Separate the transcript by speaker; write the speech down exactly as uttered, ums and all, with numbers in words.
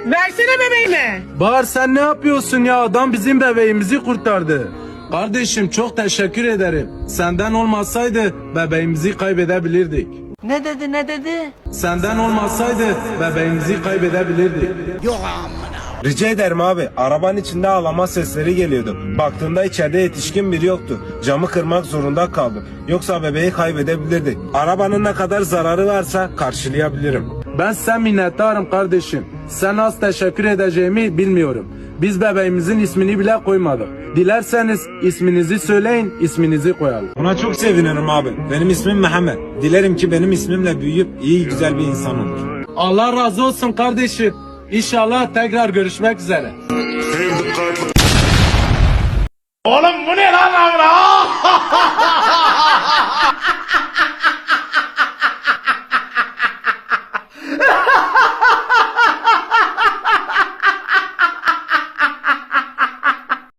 Speaker 1: Versene bebeğimi.
Speaker 2: Bahar sen ne yapıyorsun ya? Adam bizim bebeğimizi kurtardı. Kardeşim çok teşekkür ederim. Senden olmasaydı bebeğimizi kaybedebilirdik.
Speaker 3: Ne dedi ne dedi?
Speaker 2: Senden olmasaydı bebeğimizi kaybedebilirdik.
Speaker 4: Rica ederim abi. Arabanın içinde ağlama sesleri geliyordu. Baktığımda içeride yetişkin biri yoktu. Camı kırmak zorunda kaldım. Yoksa bebeği kaybedebilirdik. Arabanın ne kadar zararı varsa karşılayabilirim.
Speaker 2: Ben sen minnettarım kardeşim. Sen az teşekkür edeceğimi bilmiyorum. Biz bebeğimizin ismini bile koymadık. Dilerseniz isminizi söyleyin, isminizi koyalım.
Speaker 4: Buna çok sevinirim abi. Benim ismim Mehmet. Dilerim ki benim ismimle büyüyüp iyi güzel bir insan olur.
Speaker 2: Allah razı olsun kardeşim. İnşallah tekrar görüşmek üzere.
Speaker 5: Oğlum bu ne lan lan?